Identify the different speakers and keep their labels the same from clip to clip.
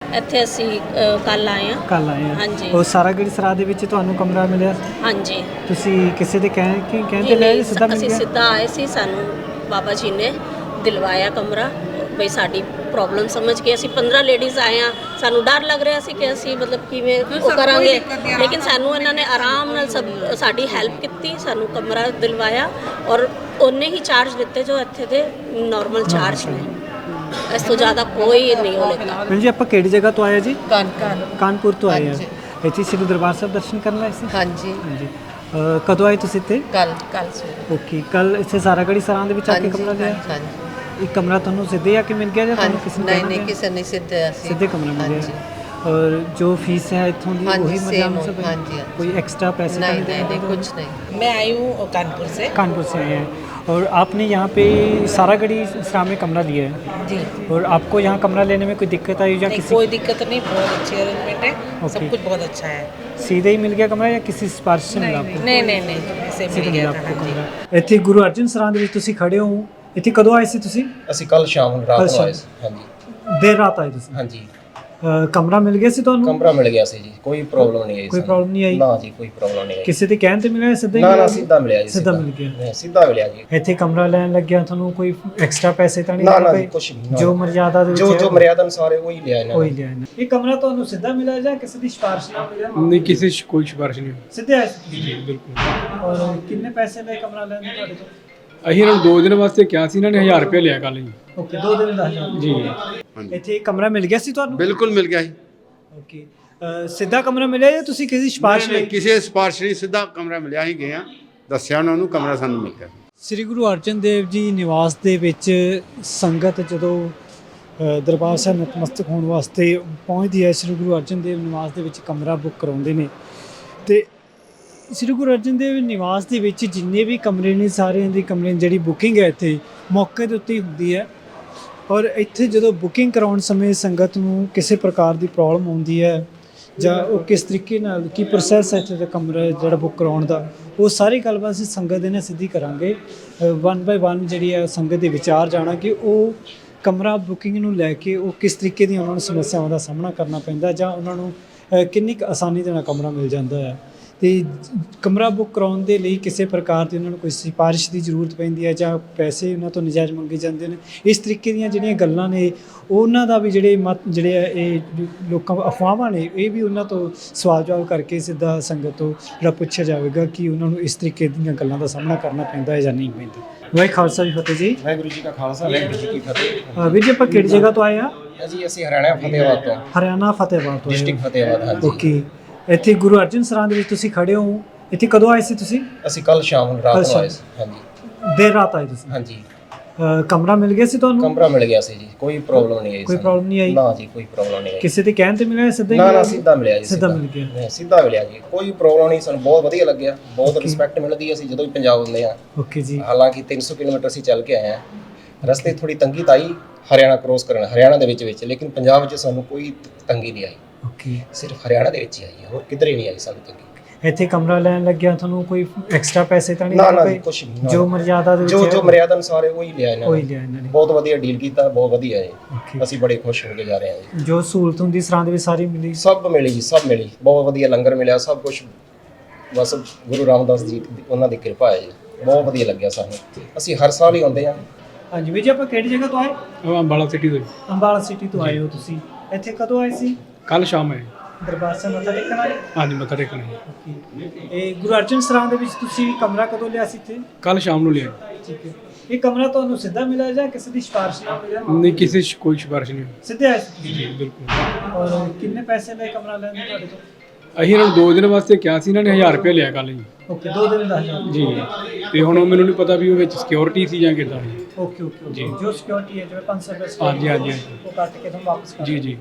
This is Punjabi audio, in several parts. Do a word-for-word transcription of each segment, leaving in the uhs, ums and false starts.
Speaker 1: ਇੱਥੇ ਅਸੀਂ ਕੱਲ ਆਏ ਹਾਂ।
Speaker 2: ਕੱਲ ਆਏ ਆ
Speaker 1: ਹਾਂਜੀ।
Speaker 2: ਉਹ ਸਾਰਾਗੜ੍ਹੀ ਸਰਾਹ ਦੇ ਵਿੱਚ ਤੁਹਾਨੂੰ ਕਮਰਾ ਮਿਲਿਆ?
Speaker 1: ਹਾਂਜੀ।
Speaker 2: ਤੁਸੀਂ ਕਿਸੇ ਦੇ ਕਹਿ ਕਿ ਕਹਿੰਦੇ
Speaker 1: ਨਹੀਂ
Speaker 2: ਲੈ
Speaker 1: ਨਹੀਂ,
Speaker 2: ਸਿੱਧਾ ਮਿਲ
Speaker 1: ਅਸੀਂ
Speaker 2: ਗਿਆ?
Speaker 1: ਸਿੱਧਾ ਆਏ ਸੀ, ਸਾਨੂੰ ਬਾਬਾ ਜੀ ਨੇ ਦਿਲਵਾਇਆ ਕਮਰਾ। ਬਈ ਸਾਡੀ ਪ੍ਰੋਬਲਮ ਸਮਝ ਕੇ ਅਸੀਂ ਪੰਦਰਾਂ ਲੇਡੀਜ਼ ਆਏ ਹਾਂ। ਸਾਨੂੰ ਡਰ ਲੱਗ ਰਿਹਾ ਸੀ ਕਿ ਅਸੀਂ ਮਤਲਬ ਕਿਵੇਂ ਉਹ ਕਰਾਂਗੇ, ਲੇਕਿਨ ਸਾਨੂੰ ਇਹਨਾਂ ਨੇ ਆਰਾਮ ਨਾਲ ਸਭ ਸਾਡੀ ਹੈਲਪ ਕੀਤੀ, ਸਾਨੂੰ ਕਮਰਾ ਦਿਲਵਾਇਆ ਔਰ ਉਨੇ ਹੀ ਚਾਰਜ ਦਿੱਤੇ ਜੋ ਇੱਥੇ ਦੇ ਨਾਰਮਲ ਚਾਰਜ ਨੇ। ਇਸ ਤੋਂ ਜ਼ਿਆਦਾ ਕੋਈ ਨਹੀਂ ਹੋ ਲੈਂਦਾ।
Speaker 2: ਭੈਣ ਜੀ ਆਪਾਂ ਕਿਹੜੀ ਜਗ੍ਹਾ ਤੋਂ ਆਏ ਜੀ?
Speaker 3: ਕਾਨਕਾਨ
Speaker 2: ਕਾਨਪੁਰ ਤੋਂ ਆਏ ਆ। ਇੱਥੇ ਸ੍ਰੀ ਦਰਬਾਰ ਸਾਹਿਬ ਦਰਸ਼ਨ ਕਰਨ ਆਏ ਸੀ?
Speaker 3: ਹਾਂਜੀ
Speaker 2: ਹਾਂਜੀ। ਅ, ਕਦੋਂ ਆਏ ਤੁਸੀਂ ਇੱਥੇ?
Speaker 3: ਕੱਲ ਕੱਲ ਸਵੇਰੇ।
Speaker 2: ਓਕੇ, ਕੱਲ ਇੱਥੇ ਸਾਰਾਗੜ੍ਹੀ ਸਰਾਂ ਦੇ ਵਿੱਚ ਆ ਕੇ ਕਮਰਾ ਲਿਆ?
Speaker 3: ਹਾਂਜੀ।
Speaker 2: ਇਹ ਕਮਰਾ ਤੁਹਾਨੂੰ ਸਿੱਧੇ ਆ ਕੇ ਮਿਲ ਗਿਆ ਜਾਂ ਤੁਹਾਨੂੰ ਕਿਸੇ ਨੇ
Speaker 3: ਨਹੀਂ
Speaker 2: ਕਹਿਣਾ
Speaker 3: ਨਹੀਂ,
Speaker 2: ਪਿਆ?
Speaker 3: ਕਿਸੇ ਨੇ ਸਿੱਧੇ ਅਸੀਂ
Speaker 2: ਸਿੱਧੇ ਕਮਰਾ ਮਿਲ
Speaker 3: ਹਾਂਜੀ।
Speaker 2: ਗਿਆ। ਔਰ ਜੋ ਫੀਸ है इतों की
Speaker 3: हाँ जी,
Speaker 2: वही
Speaker 3: same
Speaker 2: मतलब
Speaker 3: हो- हाँ जी, हाँ जी।
Speaker 2: कोई एक्स्ट्रा पैसे
Speaker 3: नहीं
Speaker 2: तो
Speaker 3: नहीं नहीं,
Speaker 2: देते?
Speaker 3: कुछ नहीं। मैं आई हूँ कानपुर से।
Speaker 2: कानपुर से आए हैं और आपने यहाँ पे सारागढ़ी सरा में कमरा लिया है
Speaker 3: जी।
Speaker 2: और आपको यहाँ कमरा लेने में कोई दिक्कत आई या
Speaker 3: नहीं,
Speaker 2: किसी
Speaker 3: कोई दिक्कत नहीं, बहुत अच्छी अरेंजमेंट है।
Speaker 2: Okay।
Speaker 3: सब कुछ बहुत अच्छा है।
Speaker 2: सीधे ही मिल गया कमरा या किसी सिफारिश से मिला आपको?
Speaker 3: नहीं नहीं नहीं, ऐसे
Speaker 2: सीधे
Speaker 3: मिल
Speaker 2: मिला
Speaker 3: गया था।
Speaker 2: आपको
Speaker 3: हाँ जी।
Speaker 2: कमरा। ਇੱਥੇ ਗੁਰੂ ਅਰਜਨ ਸਰਾਂ ਦੇ ਵਿੱਚ ਤੁਸੀਂ ਖੜੇ ਹੋ, ਇੱਥੇ ਕਦੋਂ ਆਏ ਸੀ ਤੁਸੀਂ?
Speaker 4: ਅਸੀਂ ਕੱਲ ਸ਼ਾਮ ਨੂੰ ਰਾਤ
Speaker 2: ਕੱਲ੍ਹ
Speaker 4: ਨੂੰ ਆਏ
Speaker 2: ਸ਼ਾਮ।
Speaker 4: ਸੀ। ਹਾਂਜੀ
Speaker 2: ਦੇਰ ਰਾਤ ਆਏ ਤੁਸੀਂ?
Speaker 4: ਹਾਂਜੀ।
Speaker 2: ਅ, ਕਮਰਾ ਮਿਲ ਗਿਆ ਸੀ ਤੁਹਾਨੂੰ?
Speaker 4: ਕਮਰਾ ਮਿਲ ਗਿਆ ਸੀ ਜੀ, ਕੋਈ ਪ੍ਰੋਬਲਮ ਨਹੀਂ ਆਈ
Speaker 2: ਕੋਈ
Speaker 4: ਸਾਨੂੰ।
Speaker 2: ਪ੍ਰੋਬਲਮ ਨਹੀਂ ਆਈ?
Speaker 4: ਨਾ ਜੀ, ਕੋਈ ਪ੍ਰੋਬਲਮ ਨਹੀਂ ਆਈ।
Speaker 2: ਕਿਸੇ ਦੇ ਕਹਿਣ ਤੇ ਮਿਲਿਆ ਸਿੱਧਾ ਹੀ
Speaker 4: ਨਾ
Speaker 2: ਮਿਲਿਆ?
Speaker 4: ਨਾ, ਸਿੱਧਾ ਮਿਲਿਆ ਜੀ।
Speaker 2: ਸਿੱਧਾ ਮਿਲ ਗਿਆ।
Speaker 4: ਹਾਂ, ਸਿੱਧਾ ਮਿਲਿਆ ਜੀ।
Speaker 2: ਇੱਥੇ ਕਮਰਾ ਲੈਣ ਲੱਗਿਆ ਤੁਹਾਨੂੰ ਕੋਈ ਐਕਸਟਰਾ ਪੈਸੇ ਤਾਂ ਨਹੀਂ
Speaker 4: ਨਾ
Speaker 2: ਦੇਣੇ
Speaker 4: ਨਾ
Speaker 2: ਪਏ?
Speaker 4: ਜੀ, ਕੁਛ ਨਹੀਂ।
Speaker 2: ਜੋ ਮਰਜ਼ਾਦਾ ਦੇ ਵਿੱਚ
Speaker 4: ਜੋ
Speaker 2: ਹੈ,
Speaker 4: ਜੋ ਮਰਿਆਦਾ ਅਨੁਸਾਰ ਹੈ ਉਹੀ ਲਿਆ ਇਹਨਾਂ
Speaker 2: ਉਹੀ
Speaker 4: ਨੇ।
Speaker 2: ਲਿਆ ਇਹਨਾਂ। ਇਹ ਕਮਰਾ ਤੁਹਾਨੂੰ ਸਿੱਧਾ ਮਿਲਿਆ ਜਾਂ ਕਿਸੇ ਦੀ ਸਿਫਾਰਿਸ਼ ਨਾਲ ਮਿਲਿਆ?
Speaker 5: नहीं किसी से कोई सिफारिश नहीं।
Speaker 2: ਸਿੱਧੇ ਆਏ ਸੀ?
Speaker 5: जी बिल्कुल।
Speaker 2: ਔਰ ਕਿੰਨੇ ਪੈਸੇ ਲਏ ਕਮਰਾ ਲੈਣ ਦੇ ਤੁਹਾਡੇ ਤੋਂ?
Speaker 5: ਅਸੀਂ ਇਹਨਾਂ ਨੂੰ ਦੋ ਦਿਨ ਵਾਸਤੇ ਕਿਹਾ ਸੀ, ਇਹਨਾਂ ਨੇ ਹਜ਼ਾਰ ਰੁਪਏ ਲਿਆ ਕੱਲ ਜੀ।
Speaker 2: ਓਕੇ, ਦੋ ਦਿਨ ਦਾ ਹਜ਼ਾਰ।
Speaker 5: ਜੀ
Speaker 2: ਇੱਥੇ ਇੱਕ ਕਮਰਾ ਮਿਲ ਗਿਆ ਸੀ ਤੁਹਾਨੂੰ?
Speaker 6: ਬਿਲਕੁਲ ਮਿਲ ਗਿਆ ਜੀ।
Speaker 2: ਓਕੇ, ਅ, ਸਿੱਧਾ ਕਮਰਾ ਮਿਲਿਆ ਜਾਂ ਤੁਸੀਂ ਕਿਸੇ ਦੀ ਸਿਫਾਰਿਸ਼
Speaker 6: ਨਹੀਂ,
Speaker 2: ਲਈ?
Speaker 6: ਕਿਸੇ ਸਿਫਾਰਿਸ਼ ਨਹੀਂ, ਸਿੱਧਾ ਕਮਰਾ ਮਿਲਿਆ ਹੀ ਗਏ ਆ, ਦੱਸਿਆ ਉਹਨਾਂ ਨੂੰ ਕਮਰਾ ਸਾਨੂੰ ਮਿਲ ਗਿਆ।
Speaker 2: ਸ੍ਰੀ ਗੁਰੂ ਅਰਜਨ ਦੇਵ ਜੀ ਨਿਵਾਸ ਦੇ ਵਿੱਚ ਸੰਗਤ ਜਦੋਂ ਅ, ਦਰਬਾਰ ਸਾਹਿਬ ਨਤਮਸਤਕ ਹੋਣ ਵਾਸਤੇ ਪਹੁੰਚਦੀ ਹੈ, ਸ੍ਰੀ ਗੁਰੂ ਅਰਜਨ ਦੇਵ ਨਿਵਾਸ ਦੇ ਵਿੱਚ ਕਮਰਾ ਬੁੱਕ ਕਰਾਉਂਦੇ ਨੇ। ਤੇ ਸ੍ਰੀ ਗੁਰੂ ਅਰਜਨ ਦੇਵ ਨਿਵਾਸ ਦੇ ਵਿੱਚ ਜਿੰਨੇ ਵੀ ਕਮਰੇ ਨੇ, ਸਾਰਿਆਂ ਦੀ ਕਮਰੇ ਦੀ ਜਿਹੜੀ ਬੁਕਿੰਗ ਹੈ ਇੱਥੇ ਮੌਕੇ ਦੇ ਉੱਤੇ ਹੀ ਹੁੰਦੀ ਹੈ। ਔਰ ਇੱਥੇ ਜਦੋਂ ਬੁਕਿੰਗ ਕਰਾਉਣ ਸਮੇਂ ਸੰਗਤ ਨੂੰ ਕਿਸੇ ਪ੍ਰਕਾਰ ਦੀ ਪ੍ਰੋਬਲਮ ਆਉਂਦੀ ਹੈ ਜਾਂ ਉਹ ਕਿਸ ਤਰੀਕੇ ਨਾਲ ਕੀ ਪ੍ਰੋਸੈਸ ਹੈ ਇੱਥੇ ਦਾ ਕਮਰਾ ਜਿਹੜਾ ਬੁੱਕ ਕਰਾਉਣ ਦਾ, ਉਹ ਸਾਰੀ ਗੱਲਬਾਤ ਅਸੀਂ ਸੰਗਤ ਦੇ ਨਾਲ ਸਿੱਧੀ ਕਰਾਂਗੇ। ਵਨ ਬਾਏ ਵਨ ਜਿਹੜੀ ਹੈ ਸੰਗਤ ਦੇ ਵਿਚਾਰ ਜਾਣਾ ਕਿ ਉਹ ਕਮਰਾ ਬੁਕਿੰਗ ਨੂੰ ਲੈ ਕੇ ਉਹ ਕਿਸ ਤਰੀਕੇ ਦੀਆਂ ਉਹਨਾਂ ਨੂੰ ਸਮੱਸਿਆਵਾਂ ਦਾ ਸਾਹਮਣਾ ਕਰਨਾ ਪੈਂਦਾ ਜਾਂ ਉਹਨਾਂ ਨੂੰ ਅ, ਕਿੰਨੀ ਕੁ ਆਸਾਨੀ ਦੇ ਨਾਲ ਕਮਰਾ ਮਿਲ ਜਾਂਦਾ ਹੈ। ਤੇ ਕਮਰਾ ਬੁੱਕ ਕਰਾਉਣ ਦੇ ਲਈ ਕਿਸੇ ਪ੍ਰਕਾਰ ਦੀ ਉਹਨਾਂ ਨੂੰ ਕੋਈ ਸਿਫਾਰਿਸ਼ ਦੀ ਜ਼ਰੂਰਤ ਪੈਂਦੀ ਹੈ ਜਾਂ ਪੈਸੇ ਉਹਨਾਂ ਤੋਂ ਨਜਾਇਜ਼ ਮੰਗੇ ਜਾਂਦੇ ਨੇ, ਇਸ ਤਰੀਕੇ ਦੀਆਂ ਜਿਹੜੀਆਂ ਗੱਲਾਂ ਨੇ ਉਹਨਾਂ ਦਾ ਵੀ ਜਿਹੜੇ ਮਤ ਜਿਹੜੇ ਆ ਇਹ ਲੋਕਾਂ ਅਫਵਾਹਾਂ ਨੇ, ਇਹ ਵੀ ਉਹਨਾਂ ਤੋਂ ਸਵਾਲ ਜਵਾਬ ਕਰਕੇ ਸਿੱਧਾ ਸੰਗਤ ਤੋਂ ਜਿਹੜਾ ਪੁੱਛਿਆ ਜਾਵੇਗਾ ਕਿ ਉਹਨਾਂ ਨੂੰ ਇਸ ਤਰੀਕੇ ਦੀਆਂ ਗੱਲਾਂ ਦਾ ਸਾਹਮਣਾ ਕਰਨਾ ਪੈਂਦਾ ਹੈ ਜਾਂ ਨਹੀਂ ਪੈਂਦਾ। ਵਾਹਿਗੁਰੂ ਖਾਲਸਾ ਜੀ ਫਤਿਹ ਜੀ।
Speaker 4: ਵਾਹਿਗੁਰੂ ਜੀ ਕਾ ਖਾਲਸਾ, ਵਾਹਿਗੁਰੂ ਜੀ ਕੀ ਫਤਿਹ।
Speaker 2: ਅ, ਵੀਰ ਜੀ ਆਪਾਂ ਕਿਹੜੀ ਜਗ੍ਹਾ ਤੋਂ ਆਏ ਆ?
Speaker 4: ਜੀ ਅਸੀਂ ਹਰਿਆਣਾ ਫਤਿਹਾਬਾਦ ਤੋਂ,
Speaker 2: ਹਰਿਆਣਾ ਫਤਿਹਬਾਦ ਤੋਂ ਆਏ ਹੋ।
Speaker 4: ਡਿਸਟ੍ਰਿਕਟ ਫਤਿਹਾਬਾਦ। ਹਾਂਜੀ।
Speaker 2: ਓਕੇ, ਇੱਥੇ ਗੁਰੂ ਅਰਜਨ ਸਰਾਂ ਦੇ ਵਿੱਚ ਤੁਸੀਂ ਖੜੇ ਹੋ, ਇੱਥੇ ਕਦੋਂ ਆਏ ਸੀ ਤੁਸੀਂ?
Speaker 4: ਅਸੀਂ ਕੱਲ ਸ਼ਾਮ ਨੂੰ ਰਾਤ
Speaker 2: ਕੱਲ੍ਹ
Speaker 4: ਨੂੰ ਆਏ
Speaker 2: ਸ਼ਾਮ।
Speaker 4: ਸੀ। ਹਾਂਜੀ
Speaker 2: ਦੇਰ ਰਾਤ ਆਏ ਤੁਸੀਂ?
Speaker 4: ਹਾਂਜੀ।
Speaker 2: ਅ, ਕਮਰਾ ਮਿਲ ਗਿਆ ਸੀ ਤੁਹਾਨੂੰ?
Speaker 4: ਕਮਰਾ ਮਿਲ ਗਿਆ ਸੀ ਜੀ, ਕੋਈ ਪ੍ਰੋਬਲਮ ਨਹੀਂ ਆਈ
Speaker 2: ਕੋਈ
Speaker 4: ਸਾਨੂੰ।
Speaker 2: ਪ੍ਰੋਬਲਮ ਨਹੀਂ ਆਈ?
Speaker 4: ਨਾ ਜੀ, ਕੋਈ ਪ੍ਰੋਬਲਮ ਨਹੀਂ ਆਈ।
Speaker 2: ਕਿਸੇ ਦੇ ਕਹਿਣ ਤੇ ਮਿਲਿਆ ਸਿੱਧਾ ਹੀ
Speaker 4: ਨਾ ਨਾ,
Speaker 2: ਮਿਲਿਆ?
Speaker 4: ਸਿੱਧਾ ਮਿਲਿਆ ਜੀ।
Speaker 2: ਸਿੱਧਾ ਮਿਲ ਗਿਆ।
Speaker 4: ਹਾਂ, ਸਿੱਧਾ ਮਿਲਿਆ ਜੀ, ਕੋਈ ਪ੍ਰੋਬਲਮ ਨਹੀਂ। ਸਾਨੂੰ ਬਹੁਤ ਵਧੀਆ ਲੱਗਿਆ, ਬਹੁਤ ਰਿਸਪੈਕਟ ਮਿਲਦੀ ਹੈ ਅਸੀਂ ਜਦੋਂ ਵੀ ਪੰਜਾਬ ਹੁੰਦੇ ਆ।
Speaker 2: ਓਕੇ ਜੀ।
Speaker 4: ਹਾਲਾਂਕਿ ਤਿੰਨ ਸੌ ਕਿਲੋਮੀਟਰ ਅਸੀਂ ਚੱਲ ਕੇ ਆਏ ਆ, ਰਸਤੇ ਥੋੜੀ ਤੰਗੀ ਤਾਂ ਆਈ ਹਰਿਆਣਾ ਕ੍ਰੋਸ ਕਰਨ, ਹਰਿਆਣਾ ਦੇ ਵਿੱਚ ਵਿੱਚ, ਲੇਕਿਨ ਪੰਜਾਬ ਵਿੱਚ ਸਾਨੂੰ ਕੋਈ ਤੰਗੀ ਨਹੀਂ ਆਈ।
Speaker 2: ਓਕੇ,
Speaker 4: ਸਿਰਫ ਹਰਿਆਣਾ ਦੇ ਵਿੱਚ ਹੀ ਆਈ ਹੈ, ਹੋਰ ਕਿਧਰੇ ਨਹੀਂ ਆਈ ਸਾਨੂੰ ਤੰਗੀ।
Speaker 2: ਇੱਥੇ ਕਮਰਾ ਲੈਣ ਲੱਗਿਆ ਤੁਹਾਨੂੰ ਕੋਈ ਐਕਸਟਰਾ ਪੈਸੇ ਤਾਂ ਨਹੀਂ
Speaker 4: ਨਾ
Speaker 2: ਦੇਣੇ
Speaker 4: ਨਾ
Speaker 2: ਪਏ?
Speaker 4: ਜੀ, ਕੁਛ ਨਹੀਂ। ਨਾ।
Speaker 2: ਜੋ ਮਰਜ਼ਾਦਾ ਦੇ ਵਿੱਚ
Speaker 4: ਜੋ
Speaker 2: ਹੈ,
Speaker 4: ਜੋ ਮਰਿਆਦਾ ਅਨੁਸਾਰ ਹੈ ਉਹੀ ਲਿਆ ਇਹਨਾਂ
Speaker 2: ਉਹੀ
Speaker 4: ਨੇ।
Speaker 2: ਲਿਆ ਇਹਨਾਂ ਨੇ।
Speaker 4: ਬਹੁਤ ਵਧੀਆ ਡੀਲ ਕੀਤਾ, ਬਹੁਤ ਵਧੀਆ ਹੈ।
Speaker 2: ਓਕੇ,
Speaker 4: ਅਸੀਂ ਬੜੇ ਖੁਸ਼ ਹੋ ਕੇ ਜਾ ਰਹੇ ਹਾਂ ਜੀ।
Speaker 2: ਜੋ ਸਹੂਲਤ ਹੁੰਦੀ ਸਰਾਂ ਦੇ ਵਿੱਚ ਸਾਰੀ ਮਿਲੀ?
Speaker 4: ਸਭ ਮਿਲੀ ਜੀ, ਸਭ ਮਿਲੀ। ਬਹੁਤ ਵਧੀਆ ਲੰਗਰ ਮਿਲਿਆ, ਸਭ ਕੁਝ ਬਸ ਗੁਰੂ ਰਾਮਦਾਸ ਜੀ ਦੀ- ਉਹਨਾਂ ਦੀ ਕਿਰਪਾ ਹੈ ਜੀ। ਬਹੁਤ ਵਧੀਆ ਲੱਗਿਆ ਸਾਨੂੰ, ਅਸੀਂ ਹਰ ਸਾਲ ਹੀ ਆਉਂਦੇ ਹਾਂ।
Speaker 2: ਹਾਂਜੀ ਵੀਰ ਜੀ, ਆਪਾਂ ਕਿਹੜੀ ਜਗ੍ਹਾ ਤੋਂ ਆਏ?
Speaker 5: ਉਹ ਅੰਬਾਲਾ ਸਿਟੀ ਤੋਂ
Speaker 2: ਅੰਬਾਲਾ ਸਿਟੀ ਤੋਂ ਆਏ ਹੋ ਤੁਸੀਂ। ਇੱਥੇ ਕਦੋਂ ਆਏ ਸੀ?
Speaker 5: ਕੱਲ ਸ਼ਾਮ ਆਏ।
Speaker 2: ਦਰਬਾਰ ਸਾਹਿਬ ਮੱਥਾ ਟੇਕਣ ਆਏ?
Speaker 5: ਹਾਂਜੀ ਮੱਥਾ ਟੇਕਣ ਆਏ।
Speaker 2: ਓਕੇ, ਇਹ ਗੁਰੂ ਅਰਜਨ ਸਰਾਂ ਦੇ ਵਿੱਚ ਤੁਸੀਂ ਕਮਰਾ ਕਦੋਂ ਲਿਆ ਸੀ ਇੱਥੇ?
Speaker 5: ਕੱਲ ਸ਼ਾਮ ਨੂੰ ਲਿਆ।
Speaker 2: ਠੀਕ ਹੈ, ਇਹ ਕਮਰਾ ਤੁਹਾਨੂੰ ਸਿੱਧਾ ਮਿਲਿਆ ਜਾਂ ਕਿਸੇ ਦੀ ਸਿਫਾਰਿਸ਼ ਨਾਲ ਮਿਲਿਆ?
Speaker 5: ਨਹੀਂ ਕਿਸੇ से कोई सिफारिश नहीं।
Speaker 2: ਸਿੱਧੇ ਆਏ ਸੀ?
Speaker 5: ਜੀ ਬਿਲਕੁਲ।
Speaker 2: ਔਰ ਕਿੰਨੇ ਪੈਸੇ ਲਏ ਕਮਰਾ ਲੈਣ ਦੇ ਤੁਹਾਡੇ ਤੋਂ?
Speaker 5: ਅਸੀਂ ਇਹਨਾਂ ਨੂੰ ਦੋ ਦਿਨ ਵਾਸਤੇ ਕਿਹਾ ਸੀ, ਇਹਨਾਂ ਨੇ ਹਜ਼ਾਰ ਰੁਪਏ ਲਿਆ ਕੱਲ ਜੀ।
Speaker 2: ਓਕੇ, ਦੋ ਦਿਨ ਦਾ ਹਜ਼ਾਰ।
Speaker 5: ਜੀ ਤੇ ਹੁਣ ਉਹ ਮੈਨੂੰ ਨਹੀਂ ਪਤਾ ਵੀ ਉਹ ਵਿੱਚ ਸਿਕਿਉਰਿਟੀ ਸੀ ਜਾਂ ਕਿੱਦਾਂ ਸੀ।
Speaker 2: ਓਕੇ ਓਕੇ
Speaker 5: ਜੀ।
Speaker 2: ਜੋ ਸਿਕਿਉਰਿਟੀ ਹੈ ਜਿਵੇਂ ਪੰਜ ਸੌ ਰੁਪਏ
Speaker 5: ਹਾਂਜੀ, ਹਾਂਜੀ,
Speaker 2: security,
Speaker 5: ਹਾਂਜੀ।
Speaker 2: ਉਹ ਕੱਟ ਕੇ ਤੁਹਾਨੂੰ ਵਾਪਸ ਕਰ
Speaker 5: ਜੀ ਜੀ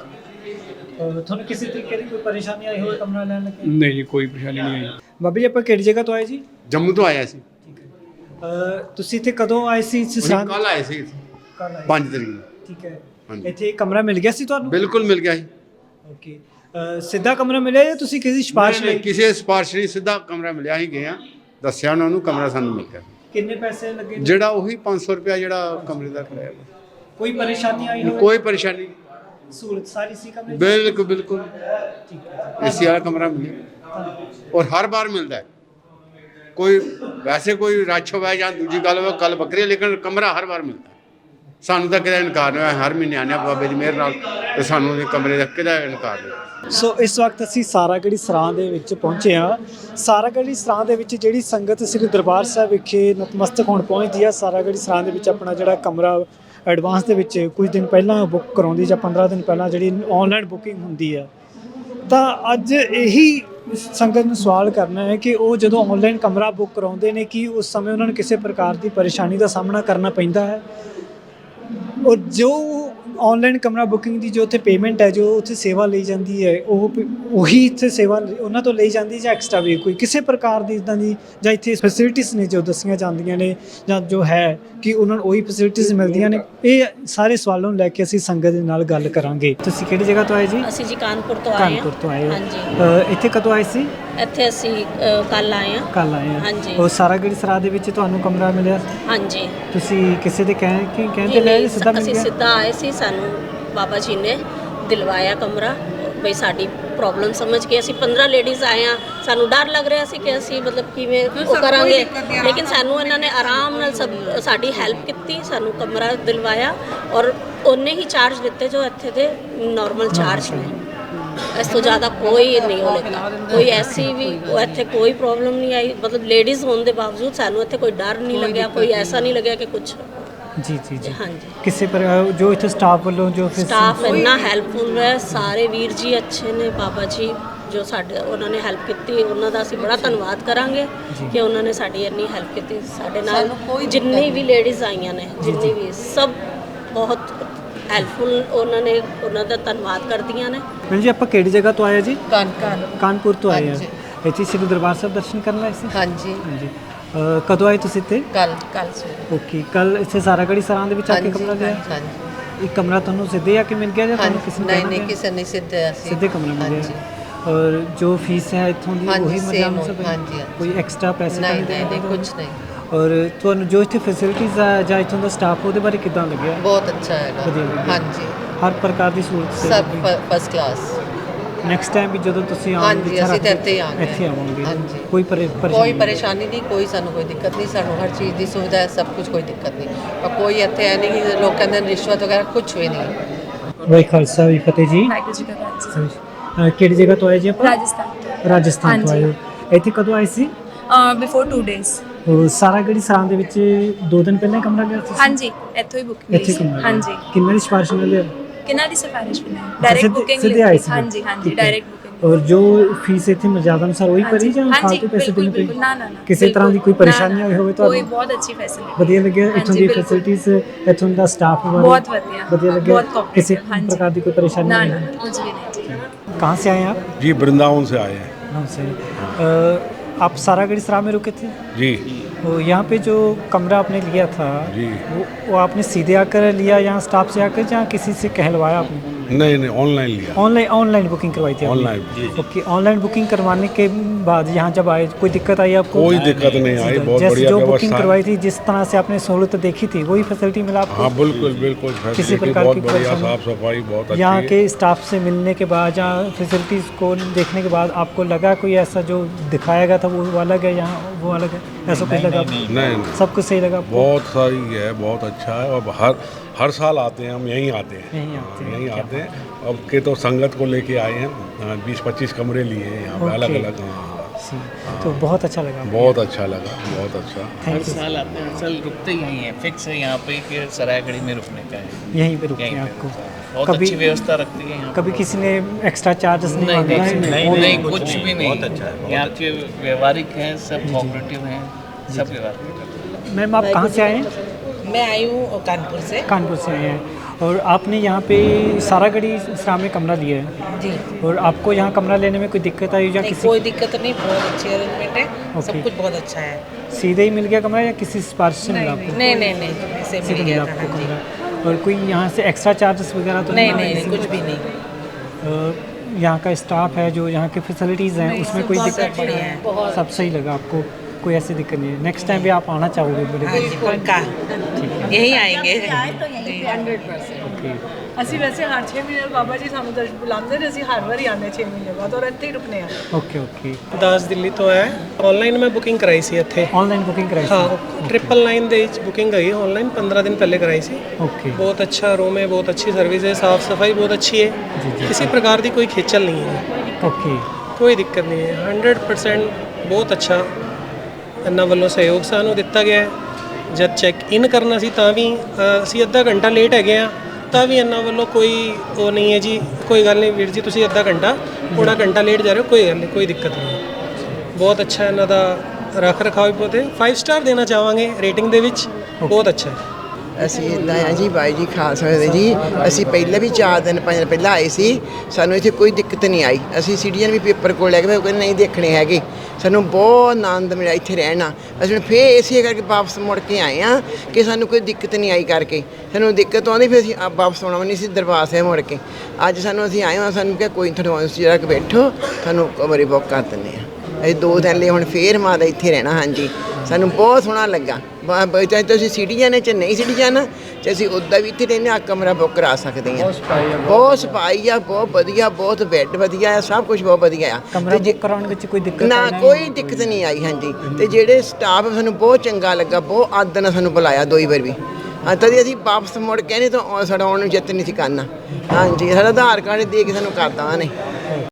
Speaker 2: ਦਿਓ। ਤੁਹਾਨੂੰ ਕਿਸੇ ਤਰੀਕੇ ਦੀ ਕੋਈ ਪਰੇਸ਼ਾਨੀ ਆਈ ਹੋਵੇ ਕਮਰਾ ਲੈਣ ਲੱਗੇ?
Speaker 5: ਨਹੀਂ ਜੀ, ਕੋਈ ਪਰੇਸ਼ਾਨੀ ਨਹੀਂ ਆਈ।
Speaker 2: ਬਾਬਾ ਜੀ ਆਪਾਂ ਕਿਹੜੀ ਜਗ੍ਹਾ ਤੋਂ ਆਏ ਜੀ?
Speaker 6: ਜੰਮੂ ਤੋਂ ਆਇਆ ਸੀ।
Speaker 2: ਠੀਕ ਹੈ, ਅਹ ਤੁਸੀਂ ਇੱਥੇ ਕਦੋਂ ਆਏ ਸੀ? ਸਰਾਂ
Speaker 6: ਕੱਲ ਆਏ ਸੀ
Speaker 2: ਕੱਲ ਆਏ।
Speaker 6: ਪੰਜ ਤਰੀਕ ਨੂੰ।
Speaker 2: ਠੀਕ ਹੈ,
Speaker 6: ਹਾਂਜੀ।
Speaker 2: ਇੱਥੇ ਕਮਰਾ ਮਿਲ ਗਿਆ ਸੀ ਤੁਹਾਨੂੰ?
Speaker 6: ਬਿਲਕੁਲ ਮਿਲ ਗਿਆ ਸੀ।
Speaker 2: ਓਕੇ, ਅਹ ਸਿੱਧਾ ਕਮਰਾ ਮਿਲਿਆ ਜਾਂ ਤੁਸੀਂ ਕਿਸੇ ਦੀ ਸਿਫਾਰਿਸ਼
Speaker 6: ਨਹੀਂ,
Speaker 2: ਲਈ?
Speaker 6: ਕਿਸੇ ਸਿਫਾਰਿਸ਼ ਨਹੀਂ, ਸਿੱਧਾ ਕਮਰਾ ਮਿਲਿਆ ਹੀ ਗਏ ਆ, ਦੱਸਿਆ ਉਹਨਾਂ ਨੂੰ ਕਮਰਾ ਸਾਨੂੰ ਮਿਲ ਗਿਆ।
Speaker 2: ਕਿੰਨੇ ਪੈਸੇ ਲੱਗੇ ਨੇ?
Speaker 6: ਜਿਹੜਾ ਉਹੀ ਪੰਜ ਸੌ ਰੁਪਇਆ ਜਿਹੜਾ ਕਮਰੇ ਦਾ ਕਿਰਾਇਆ ਵਾ।
Speaker 2: ਕੋਈ ਪਰੇਸ਼ਾਨੀ ਆਈ ਹੋਵੇ?
Speaker 6: ਕੋਈ ਪਰੇਸ਼ਾਨੀ ਨਹੀਂ।
Speaker 2: सहूलत सारी सी कमरे च?
Speaker 6: बिल्कुल बिल्कुल
Speaker 2: ठीक है।
Speaker 6: एसी वाला कमरा मिले और हर बार मिलता है। कोई वैसे कोई रश होवे या दूजी गल होवे गल बकरी है, लेकिन कमरा हर बार मिलता है। सानू तो किदा इनकार नहीं होया, हर महीने आने बाबे की मेहर नाल ते सानू ये कमरे का किदा इनकार नहीं।
Speaker 2: ਸੋ ਇਸ ਵਕਤ ਅਸੀਂ ਸਾਰਾਗੜ੍ਹੀ ਸਰਾਂ ਦੇ ਵਿੱਚ ਪਹੁੰਚੇ ਹਾਂ। ਸਾਰਾਗੜ੍ਹੀ ਸਰਾਂ ਦੇ ਵਿੱਚ ਜਿਹੜੀ ਸੰਗਤ ਸ੍ਰੀ ਦਰਬਾਰ ਸਾਹਿਬ ਵਿਖੇ ਨਤਮਸਤਕ ਹੋਣ ਪਹੁੰਚਦੀ ਆ, ਸਾਰਾਗੜ੍ਹੀ ਸਰਾਂ ਦੇ ਵਿੱਚ ਆਪਣਾ ਜਿਹੜਾ ਕਮਰਾ ਐਡਵਾਂਸ ਦੇ ਵਿੱਚ ਕੁਝ ਦਿਨ ਪਹਿਲਾਂ ਬੁੱਕ ਕਰਾਉਂਦੀ ਜਾਂ ਪੰਦਰਾਂ ਦਿਨ ਪਹਿਲਾਂ ਜਿਹੜੀ ਆਨਲਾਈਨ ਬੁਕਿੰਗ ਹੁੰਦੀ ਆ। ਤਾਂ ਅੱਜ ਇਹੀ ਸੰਗਤ ਨੂੰ ਸਵਾਲ ਕਰਨਾ ਹੈ ਕਿ ਉਹ ਜਦੋਂ ਆਨਲਾਈਨ ਕਮਰਾ ਬੁੱਕ ਕਰਾਉਂਦੇ ਨੇ ਕਿ ਉਸ ਸਮੇਂ ਉਹਨਾਂ ਨੂੰ ਕਿਸੇ ਪ੍ਰਕਾਰ ਦੀ ਪਰੇਸ਼ਾਨੀ ਦਾ ਸਾਹਮਣਾ ਕਰਨਾ ਪੈਂਦਾ ਹੈ। ਔਰ ਜੋ ਆਨਲਾਈਨ ਕਮਰਾ ਬੁਕਿੰਗ ਦੀ ਜੋ ਉੱਥੇ ਪੇਮੈਂਟ ਹੈ, ਜੋ ਉੱਥੇ ਸੇਵਾ ਲਈ ਜਾਂਦੀ ਹੈ, ਉਹ ਉਹੀ ਇੱਥੇ ਸੇਵਾ ਉਹਨਾਂ ਤੋਂ ਲਈ ਜਾਂਦੀ ਜਾਂ ਐਕਸਟਰਾ ਵੀ ਕੋਈ ਕਿਸੇ ਪ੍ਰਕਾਰ ਦੀ ਇੱਦਾਂ ਦੀ ਜਾਂ ਇੱਥੇ ਫੈਸਿਲਿਟੀਜ਼ ਨੇ ਜੋ ਦੱਸੀਆਂ ਜਾਂਦੀਆਂ ਨੇ ਜਾਂ ਜੋ ਹੈ ਕਿ ਉਹਨਾਂ ਨੂੰ ਉਹੀ ਫੈਸਿਲਿਟੀਜ਼ ਮਿਲਦੀਆਂ ਨੇ। ਇਹ ਸਾਰੇ ਸਵਾਲਾਂ ਨੂੰ ਲੈ ਕੇ ਅਸੀਂ ਸੰਗਤ ਦੇ ਨਾਲ ਗੱਲ ਕਰਾਂਗੇ। ਤੁਸੀਂ ਕਿਹੜੀ ਜਗ੍ਹਾ ਤੋਂ ਆਏ ਜੀ?
Speaker 1: ਅਸੀਂ ਜੀ ਕਾਨਪੁਰ ਤੋਂ ਆਏ
Speaker 2: ਕਾਨਪੁਰ ਤੋਂ ਆਏ ਹੋ।
Speaker 1: ਹਾਂਜੀ।
Speaker 2: ਅ, ਇੱਥੇ ਕਦੋਂ ਆਏ ਸੀ?
Speaker 1: ਇੱਥੇ ਅਸੀਂ ਕੱਲ ਆਏ ਹਾਂ।
Speaker 2: ਕੱਲ ਆਏ ਹਾਂ।
Speaker 1: ਹਾਂਜੀ।
Speaker 2: ਉਹ ਸਾਰਾਗੜ੍ਹੀ ਸਰਾਂ ਦੇ ਵਿੱਚ ਤੁਹਾਨੂੰ ਕਮਰਾ ਮਿਲਿਆ?
Speaker 1: ਹਾਂਜੀ।
Speaker 2: ਤੁਸੀਂ ਕਿਸੇ ਦੇ ਕਹਿ ਕਿ ਕਹਿੰਦੇ
Speaker 1: ਨਹੀਂ,
Speaker 2: ਲੈ
Speaker 1: ਨਹੀਂ,
Speaker 2: ਸਿੱਧਾ ਮਿਲ
Speaker 1: ਅਸੀਂ
Speaker 2: ਗਿਆ?
Speaker 1: ਸਿੱਧਾ ਆਏ ਸੀ, ਸਾਨੂੰ ਬਾਬਾ ਜੀ ਨੇ ਦਿਲਵਾਇਆ ਕਮਰਾ। ਬਈ ਸਾਡੀ ਪ੍ਰੋਬਲਮ ਸਮਝ ਕੇ ਅਸੀਂ ਪੰਦਰਾਂ ਲੇਡੀਜ਼ ਆਏ ਹਾਂ। ਸਾਨੂੰ ਡਰ ਲੱਗ ਰਿਹਾ ਸੀ ਕਿ ਅਸੀਂ ਮਤਲਬ ਕਿਵੇਂ ਉਹ ਕਰਾਂਗੇ, ਲੇਕਿਨ ਸਾਨੂੰ ਇਹਨਾਂ ਨੇ ਆਰਾਮ ਨਾਲ ਸਭ ਸਾਡੀ ਹੈਲਪ ਕੀਤੀ, ਸਾਨੂੰ ਕਮਰਾ ਦਿਲਵਾਇਆ ਔਰ ਉਨੇ ਹੀ ਚਾਰਜ ਲਿੱਤੇ ਜੋ ਇੱਥੇ ਦੇ ਨਾਰਮਲ ਚਾਰਜ ਨੇ। ਇਸ ਤੋਂ ਜ਼ਿਆਦਾ ਕੋਈ ਨਹੀਂ ਹੋ ਲਿੱਤਾ। ਕੋਈ ਐਸੀ ਵੀ ਇੱਥੇ ਕੋਈ ਪ੍ਰੋਬਲਮ ਨਹੀਂ ਆਈ, ਮਤਲਬ ਲੇਡੀਜ਼ ਹੋਣ ਦੇ ਬਾਵਜੂਦ ਸਾਨੂੰ ਇੱਥੇ ਕੋਈ ਡਰ ਨਹੀਂ ਲੱਗਿਆ, ਕੋਈ ਐਸਾ ਨਹੀਂ ਲੱਗਿਆ ਕਿ ਕੁਛ।
Speaker 2: ਜੀ ਜੀ ਜੀ।
Speaker 1: ਹਾਂਜੀ।
Speaker 2: ਕਿਸੇ ਪਰ ਜੋ ਇੱਥੇ ਸਟਾਫ ਵੱਲੋਂ ਜੋ ਫਿਰ
Speaker 1: ਸਟਾਫ ਇੰਨਾ ਹੈਲਪਫੁਲ ਹੈ, ਸਾਰੇ ਵੀਰ ਜੀ ਅੱਛੇ ਨੇ, ਬਾਬਾ ਜੀ ਜੋ ਸਾਡੇ ਉਹਨਾਂ ਨੇ ਹੈਲਪ ਕੀਤੀ, ਉਹਨਾਂ ਦਾ ਅਸੀਂ ਬੜਾ ਧੰਨਵਾਦ ਕਰਾਂਗੇ ਕਿ ਉਹਨਾਂ ਨੇ ਸਾਡੀ ਇੰਨੀ ਹੈਲਪ ਕੀਤੀ। ਸਾਡੇ ਨਾਲ ਜਿੰਨੀ ਵੀ ਲੇਡੀਜ਼ ਆਈਆਂ ਨੇ, ਜਿੰਨੀ ਵੀ ਸਭ ਬਹੁਤ ਹੈਲਪਫੁਲ, ਉਹਨਾਂ ਨੇ ਉਹਨਾਂ ਦਾ ਧੰਨਵਾਦ ਕਰਦੀਆਂ ਨੇ।
Speaker 2: ਮੈਮ ਜੀ ਆਪਾਂ ਕਿਹੜੀ ਜਗ੍ਹਾ ਤੋਂ ਆਏ ਜੀ?
Speaker 3: कान कान
Speaker 2: ਕਾਨਪੁਰ ਤੋਂ ਆਏ ਹਾਂ।
Speaker 3: ਹਾਂਜੀ।
Speaker 2: ਇੱਥੇ ਸ੍ਰੀ ਦਰਬਾਰ ਸਾਹਿਬ ਦਰਸ਼ਨ ਕਰਨ ਆਏ ਸੀ?
Speaker 3: हाँ जी।
Speaker 2: ਹਾਂਜੀ। ਅ, ਕਦੋਂ ਆਏ ਤੁਸੀਂ ਇੱਥੇ?
Speaker 3: कल कल से
Speaker 2: ਓਕੇ। ਕੱਲ ਇੱਥੇ ਸਾਰਾਗੜ੍ਹੀ ਸਰਾਂ ਦੇ ਵਿੱਚ ਆ
Speaker 3: हाँ
Speaker 2: ਕੇ
Speaker 3: जी
Speaker 2: ਕਮਰਾ
Speaker 3: हाँ
Speaker 2: ਲਿਆ?
Speaker 3: जी, हाँ जी।
Speaker 2: ਇਹ ਕਮਰਾ ਤੁਹਾਨੂੰ ਸਿੱਧੇ ਆ ਕੇ ਮਿਲ ਗਿਆ ਜਾਂ
Speaker 3: हाँ
Speaker 2: ਤੁਹਾਨੂੰ
Speaker 3: जी।
Speaker 2: ਕਿਸੇ ਨੇ
Speaker 3: नहीं
Speaker 2: ਕਹਿਣਾ
Speaker 3: नहीं
Speaker 2: ਪਿਆ?
Speaker 3: किसी ने सीधे ऐसे-
Speaker 2: ਸਿੱਧੇ ਕਮਰਾ
Speaker 3: हाँ
Speaker 2: ਮਿਲ
Speaker 3: जी।
Speaker 2: ਗਿਆ। ਔਰ ਜੋ ਫੀਸ ਹੈ ਇੱਥੋਂ ਦੀ
Speaker 3: हाँ जी,
Speaker 2: ਉਹੀ
Speaker 3: same
Speaker 2: ਮਤਲਬ
Speaker 3: हो-
Speaker 2: ਸਭ
Speaker 3: हाँ जी, हाँ जी।
Speaker 2: ਕੋਈ ਐਕਸਟਰਾ ਪੈਸੇ ਤਾਂ
Speaker 3: नहीं नहीं
Speaker 2: ਦੇਣੇ
Speaker 3: नहीं
Speaker 2: ਪੈਂਦੇ?
Speaker 3: कुछ नहीं।
Speaker 2: ਔਰ ਤੁਹਾਨੂੰ ਜੋ ਇੱਥੇ ਫੈਸਿਲਿਟੀਜ਼ ਆ ਜਾਂ ਇੱਥੋਂ ਦਾ ਸਟਾਫ ਉਹਦੇ ਬਾਰੇ ਕਿੱਦਾਂ ਲੱਗਿਆ?
Speaker 3: बहुत अच्छा है।
Speaker 2: बढ़िया, बढ़िया।
Speaker 3: हाँ जी।
Speaker 2: ਹਰ ਪ੍ਰਕਾਰ ਦੀ ਸਹੂਲਤ
Speaker 3: सब फर्स्ट क्लास।
Speaker 2: ਨੈਕਸਟ ਟਾਈਮ ਵੀ ਜਦੋਂ ਤੁਸੀਂ
Speaker 3: हाँ
Speaker 2: ਆਉਣ
Speaker 3: जी,
Speaker 2: ਦੀ
Speaker 3: ਅਸੀਂ ਤਾਂ ਇੱਥੇ ਹੀ ਆਵਾਂਗੇ।
Speaker 2: ਇੱਥੇ ਆਵਾਂਗੇ।
Speaker 3: हाँ जी।
Speaker 2: ਕੋਈ ਪਰੇ-
Speaker 3: कोई
Speaker 2: ਪਰੇਸ਼ਾਨੀ
Speaker 3: परेशानी नहीं, कोई सानू कोई दिक्कत नहीं, सानू हर चीज़ की सुविधा है, सब कुछ कोई दिक्कत नहीं। और कोई इतने है नहीं कि लोग कहते हैं रिश्वत वगैरह कुछ भी नहीं।
Speaker 2: ਵਾਹਿ ਖਾਲਸਾ ਵੀ ਫਤਿਹ ਜੀ।
Speaker 7: ਵਾਹਿਗੁਰੂ ਜੀ ਕਾ ਖਾਲਸਾ।
Speaker 2: ਅ, ਕਿਹੜੀ ਜਗ੍ਹਾ ਤੋਂ ਆਏ ਜੀ ਆਪਾਂ?
Speaker 7: ਰਾਜਸਥਾਨ
Speaker 2: ਰਾਜਸਥਾਨ ਤੋਂ ਆਏ ਹੋ। ਇੱਥੇ ਕਦੋਂ ਆਏ ਸੀ?
Speaker 7: Before two days.
Speaker 2: ਉਹ ਸਾਰਾਗੜ੍ਹੀ ਸਰਾਂ ਦੇ ਵਿੱਚ ਦੋ ਦਿਨ ਪਹਿਲਾਂ ਹੀ ਕਮਰਾ ਲਿਆ ਸੀ?
Speaker 7: ਹਾਂਜੀ, ਇੱਥੋਂ ਹੀ ਬੁੱਕ ਮਿਲੀ
Speaker 2: ਇੱਥੇ
Speaker 7: ਸੀ।
Speaker 2: ਕਮਰਾ
Speaker 7: ਹਾਂਜੀ।
Speaker 2: ਕਿੰਨੇ ਦੀ ਸਿਫਾਰਿਸ਼ ਨਾਲ ਲਿਆ?
Speaker 7: ਕਿੰਨਾ ਦੀ ਸਿਫਾਰਿਸ਼ ਵੀ ਨਹੀਂ, ਡਾਇਰੈਕਟ
Speaker 2: ਸਿੱਧੇ-
Speaker 7: ਬੁਕਿੰਗ
Speaker 2: ਸਿੱਧੇ ਆਏ ਸੀ?
Speaker 7: ਹਾਂਜੀ ਹਾਂਜੀ,
Speaker 2: ਠੀਕ ਹੈ।
Speaker 7: Direct booking.
Speaker 2: ਔਰ ਜੋ ਫੀਸ ਇੱਥੇ ਮਰਜ਼ਾਦਾ ਅਨੁਸਾਰ ਉਹੀ ਭਰੀ ਜਾਂ
Speaker 7: ਹਾਂਜੀ,
Speaker 2: ਫਾਲਤੂ ਪੈਸੇ
Speaker 7: ਬਿਲਕੁਲ
Speaker 2: ਦੇਣੇ ਪਏ?
Speaker 7: ਬਿਲਕੁਲ। ਨਾ ਨਾ ਨਾ,
Speaker 2: ਕਿਸੇ ਤਰ੍ਹਾਂ ਦੀ ਕੋਈ
Speaker 7: ਬਿਲਕੁਲ।
Speaker 2: ਪਰੇਸ਼ਾਨੀ
Speaker 7: ਨਾ,
Speaker 2: ਆਈ ਹੋਵੇ
Speaker 7: ਕੋਈ
Speaker 2: ਤੁਹਾਨੂੰ?
Speaker 7: ਬਹੁਤ ਅੱਛੀ ਫੈਸਿਲਿਟੀ।
Speaker 2: ਵਧੀਆ ਲੱਗਿਆ ਇੱਥੋਂ
Speaker 7: ਹਾਂਜੀ,
Speaker 2: ਦੀ
Speaker 7: ਬਿਲਕੁਲ।
Speaker 2: ਫੈਸਿਲਿਟੀਜ਼, ਇੱਥੋਂ ਦਾ ਸਟਾਫ ਬਾਰੇ?
Speaker 7: ਬਹੁਤ ਵਧੀਆ।
Speaker 2: ਵਧੀਆ ਲੱਗਿਆ?
Speaker 7: ਬਹੁਤ cooperative,
Speaker 2: ਕਿਸੇ
Speaker 7: ਹਾਂਜੀ।
Speaker 2: प्रकार की कोई परेशानी
Speaker 7: ना
Speaker 2: नहीं
Speaker 7: ना
Speaker 2: है?
Speaker 7: कुछ भी नहीं जी।
Speaker 2: कहाँ से आए हैं आप?
Speaker 8: जी वृंदावन से आए हैं।
Speaker 2: नाम से अ, आप सारागढ़ी सरा में रुके थे?
Speaker 8: जी
Speaker 2: तो यहाँ पे जो कमरा आपने लिया था
Speaker 8: जी।
Speaker 2: वो, वो आपने सीधे आकर लिया यहाँ स्टाफ से आकर या किसी से कहलवाया आपने?
Speaker 8: नहीं नहीं ऑनलाइन लिया।
Speaker 2: ऑनलाइन ऑनलाइन बुकिंग करवाई थी आपने?
Speaker 8: ऑनलाइन जी।
Speaker 2: ओके। ऑनलाइन बुकिंग करवाने के बाद यहाँ जब आए कोई दिक्कत आई आपको?
Speaker 8: कोई दिक्कत नहीं आई, बहुत
Speaker 2: जैसे
Speaker 8: बढ़िया
Speaker 2: जो बुकिंग
Speaker 8: व्यवस्था
Speaker 2: करवाई
Speaker 8: है।
Speaker 2: थी, जिस तरह से आपने सहूलत देखी थी वही फैसिलिटी मिला आपको?
Speaker 8: हाँ बिल्कुल बिल्कुल
Speaker 2: किसी
Speaker 8: फैसिलिटी
Speaker 2: प्रकार
Speaker 8: बहुत
Speaker 2: की
Speaker 8: बढ़िया,
Speaker 2: परेशानी?
Speaker 8: साफ सफाई बहुत अच्छी
Speaker 2: यहाँ
Speaker 8: है।
Speaker 2: के स्टाफ से मिलने के बाद या फैसिलिटीज़ को देखने के बाद आपको लगा कोई ऐसा जो दिखाया गया था वो अलग है, यहाँ वो अलग है, ऐसा कुछ लगा आपको?
Speaker 8: नहीं नहीं
Speaker 2: सब कुछ सही लगा आपको?
Speaker 8: बहुत सारी है, बहुत अच्छा है। और हर हर साल आते हैं हम, यहीं आते हैं।
Speaker 2: यहीं आते हैं,
Speaker 8: हाँ, यहीं
Speaker 2: क्या
Speaker 8: आते हैं। अब के तो संगत को लेके आए हैं, बीस पच्चीस कमरे लिए हैं यहाँ पे अलग
Speaker 2: ओके।
Speaker 8: अलग। हाँ
Speaker 2: सी, तो बहुत अच्छा लगा आपको?
Speaker 8: बहुत अच्छा लगा, बहुत अच्छा।
Speaker 2: थैंक
Speaker 9: हर
Speaker 2: यू।
Speaker 9: साल आते हैं, हर साल रुकते ही यहीं हैं, फिक्स है यहाँ पे कि सरायगढ़ी में रुकने का है।
Speaker 2: यहीं पे रुके
Speaker 9: यहीं
Speaker 2: हैं
Speaker 9: पे
Speaker 2: आपको?
Speaker 9: बहुत
Speaker 2: कभी
Speaker 9: अच्छी व्यवस्था रखती है यहाँ
Speaker 2: कभी किसी ने एक्स्ट्रा चार्जेस नहीं
Speaker 9: नहीं
Speaker 2: मांगे?
Speaker 9: नहीं नहीं,
Speaker 2: वो-
Speaker 9: नहीं कुछ भी नहीं। बहुत अच्छा है, यहाँ के व्यवहारिक हैं, सब कोऑपरेटिव हैं, सब व्यवहार।
Speaker 2: मैम आप कहाँ से आए हैं?
Speaker 3: मैं आई हूँ कानपुर से।
Speaker 2: कानपुर से आए हैं और आपने यहाँ पे सारागढ़ी सरा में कमरा लिया है
Speaker 3: जी।
Speaker 2: और आपको यहाँ कमरा लेने में कोई दिक्कत आई या
Speaker 3: नहीं,
Speaker 2: किसी
Speaker 3: कोई दिक्कत नहीं, बहुत अच्छी अरेंजमेंट है,
Speaker 2: ओके।
Speaker 3: सब कुछ बहुत अच्छा है।
Speaker 2: सीधे ही मिल गया कमरा या किसी सिफारिश से मिला आपको?
Speaker 3: नहीं नहीं नहीं, ऐसे
Speaker 2: सीधे
Speaker 3: मिल
Speaker 2: मिला
Speaker 3: गया था।
Speaker 2: आपको
Speaker 3: हाँ जी।
Speaker 2: कमरा? और कोई यहाँ से एक्स्ट्रा चार्जेस वगैरह तो
Speaker 3: नहीं
Speaker 2: आए
Speaker 3: नहीं
Speaker 2: किसी
Speaker 3: नहीं, कुछ
Speaker 2: को?
Speaker 3: भी नहीं।
Speaker 2: अ, यहाँ का स्टाफ है जो यहाँ के फैसिलिटीज़ हैं उसमें कोई
Speaker 3: सब
Speaker 2: दिक्कत
Speaker 3: बढ़िया है।
Speaker 2: सब सही लगा आपको? कोई ऐसी दिक्कत नहीं है? नेक्स्ट टाइम भी आप आना चाहोगे? बड़े
Speaker 3: हाँ जी, पक्का यहीं आएंगे।
Speaker 2: ओके।
Speaker 10: ਅਸੀਂ ਵੈਸੇ ਹਰ ਛੇ ਮਹੀਨੇ ਬਾਬਾ ਜੀ ਸਾਨੂੰ ਦਰਸ਼ਨ ਬੁਲਾਉਂਦੇ ਨੇ, ਅਸੀਂ ਹਰ ਵਾਰੀ ਆਉਂਦੇ ਛੇ ਮਹੀਨੇ ਬਾਅਦ ਔਰ ਇੱਥੇ ਹੀ ਰੁਕਨੇ ਆ।
Speaker 2: ਓਕੇ ਓਕੇ
Speaker 11: ਦਾਸ ਦਿੱਲੀ ਤੋਂ ਹੈ। ਆਨਲਾਈਨ ਮੈਂ ਬੁਕਿੰਗ ਕਰਾਈ ਸੀ ਇੱਥੇ।
Speaker 2: ਆਨਲਾਈਨ ਬੁਕਿੰਗ ਕਰਾਈ ਸੀ?
Speaker 11: ਹਾਂ, ਟ੍ਰਿਪਲ ਨਾइन ਦੇ ਵਿੱਚ ਬੁਕਿੰਗ ਹੈਗੀ ਆਨਲਾइन पंद्रह दिन पहले कराई सी।
Speaker 2: ओके।
Speaker 11: बहुत अच्छा रूम है, बहुत अच्छी सर्विस है, साफ़ सफाई बहुत अच्छी है, किसी प्रकार की कोई खेचल नहीं है।
Speaker 2: ओके।
Speaker 11: कोई दिक्कत नहीं है, हंड्रेड परसेंट बहुत अच्छा ਇਹਨਾਂ ਵੱਲੋਂ ਸਹਿਯੋਗ ਸਾਨੂੰ ਦਿੱਤਾ ਗਿਆ ਹੈ। ਜਦ ਚੈੱਕ ਇਨ ਕਰਨਾ ਸੀ ਤਾਂ ਵੀ ਅ, ਅਸੀਂ ਅੱਧਾ ਘੰਟਾ ਲੇਟ ਹੈਗੇ ਆ, ਤਾਂ ਵੀ ਇਹਨਾਂ ਵੱਲੋਂ ਕੋਈ ਉਹ ਨਹੀਂ ਹੈ ਜੀ, ਕੋਈ ਗੱਲ ਨਹੀਂ ਵੀਰ ਜੀ ਤੁਸੀਂ ਅੱਧਾ ਘੰਟਾ ਪੌਣਾ ਘੰਟਾ ਲੇਟ ਜਾ ਰਹੇ ਹੋ, ਕੋਈ ਗੱਲ ਨਹੀਂ, ਕੋਈ ਦਿੱਕਤ ਨਹੀਂ ਹੈ। ਬਹੁਤ ਅੱਛਾ ਇਹਨਾਂ ਦਾ ਰੱਖ ਰਖਾਵ ਵੀ ਬਹੁਤ ਹੈ, ਫਾਈਵ ਸਟਾਰ ਦੇਣਾ ਚਾਹਾਂਗੇ ਰੇਟਿੰਗ ਦੇ ਵਿੱਚ, ਬਹੁਤ ਅੱਛਾ ਹੈ।
Speaker 12: ਅਸੀਂ ਇੱਦਾਂ ਆ ਜੀ ਬਾਈ ਜੀ ਖਾਸ ਹੋਏ ਜੀ, ਅਸੀਂ ਪਹਿਲਾਂ ਵੀ ਚਾਰ ਦਿਨ ਪੰਜ ਦਿਨ ਪਹਿਲਾਂ ਆਏ ਸੀ, ਸਾਨੂੰ ਇੱਥੇ ਕੋਈ ਦਿੱਕਤ ਨਹੀਂ ਆਈ। ਅਸੀਂ ਸਿਟੀਜ਼ਨ ਵੀ ਪੇਪਰ ਕੋਲ ਲੈ ਕੇ ਉਹ ਕਹਿੰਦੇ ਨਹੀਂ ਦੇਖਣੇ ਹੈਗੇ, ਸਾਨੂੰ ਬਹੁਤ ਆਨੰਦ ਮਿਲਿਆ ਇੱਥੇ ਰਹਿਣਾ। ਅਸੀਂ ਹੁਣ ਫੇਰ ਇਸੇ ਕਰਕੇ ਵਾਪਸ ਮੁੜ ਕੇ ਆਏ ਆ ਕਿ ਸਾਨੂੰ ਕੋਈ ਦਿੱਕਤ ਨਹੀਂ ਆਈ ਕਰਕੇ, ਸਾਨੂੰ ਦਿੱਕਤ ਆਉਂਦੀ ਫਿਰ ਅਸੀਂ ਵਾਪਸ ਆਉਣਾ ਵੀ ਨਹੀਂ ਸੀ ਦਰਬਾਰ ਸਾਹਿਬ ਮੁੜ ਕੇ। ਅੱਜ ਸਾਨੂੰ ਅਸੀਂ ਆਏ ਹਾਂ, ਸਾਨੂੰ ਕਿਹਾ ਕੋਈ ਤੁਹਾਡੇ ਜਰਾ ਕਿ ਬੈਠੋ, ਤੁਹਾਨੂੰ ਕਮਰੇ ਬੁੱਕ ਕਰ ਦਿੰਦੇ ਆ। ਅਸੀਂ ਦੋ ਦਿਨ ਲਈ ਹੁਣ ਫੇਰ ਮਾਤਾ ਇੱਥੇ ਰਹਿਣਾ। ਹਾਂਜੀ, ਸਾਨੂੰ ਬਹੁਤ ਸੋਹਣਾ ਲੱਗਾ। ਚਾਹੇ ਤੁਸੀਂ ਸਿਟੀਜ਼ਨ ਹੈ ਚਾਹੇ ਨਹੀਂ ਸਿਟੀਜ਼ਨ, ਚਾਹੇ ਅਸੀਂ ਉੱਦਾਂ ਵੀ ਇੱਥੇ ਰਹਿੰਦੇ ਆ, ਕਮਰਾ ਬੁੱਕ ਕਰਾ ਸਕਦੇ ਹਾਂ। ਬਹੁਤ ਸਫਾਈ ਆ, ਬਹੁਤ ਵਧੀਆ, ਬਹੁਤ ਬੈੱਡ ਵਧੀਆ ਆ, ਸਭ ਕੁਝ ਬਹੁਤ ਵਧੀਆ ਆ।
Speaker 2: ਕਮਰਾ ਬੁੱਕ ਕਰਾਉਣ ਵਿੱਚ ਕੋਈ ਦਿੱਕਤ
Speaker 12: ਨਾ ਕੋਈ ਦਿੱਕਤ ਨਹੀਂ ਆਈ। ਹਾਂਜੀ, ਤੇ ਜਿਹੜੇ ਸਟਾਫ ਸਾਨੂੰ ਬਹੁਤ ਚੰਗਾ ਲੱਗਾ, ਬਹੁਤ ਆਦਰ ਨਾਲ ਸਾਨੂੰ ਬੁਲਾਇਆ ਦੋ ਹੀ ਵਾਰ ਵੀ। ਹਾਂ, ਤਦ ਅਸੀਂ ਵਾਪਸ ਮੁੜ ਕੇ ਨਹੀਂ ਤਾਂ ਸਾਡਾ ਆਉਣ ਨੂੰ ਯਤਨ ਨਹੀਂ ਸੀ ਕਰਨਾ। ਹਾਂਜੀ, ਸਾਡਾ ਆਧਾਰ ਕਾਰਡ ਦੇ ਕੇ ਸਾਨੂੰ ਕਰ ਦੇਵਾਂ ਨੇ।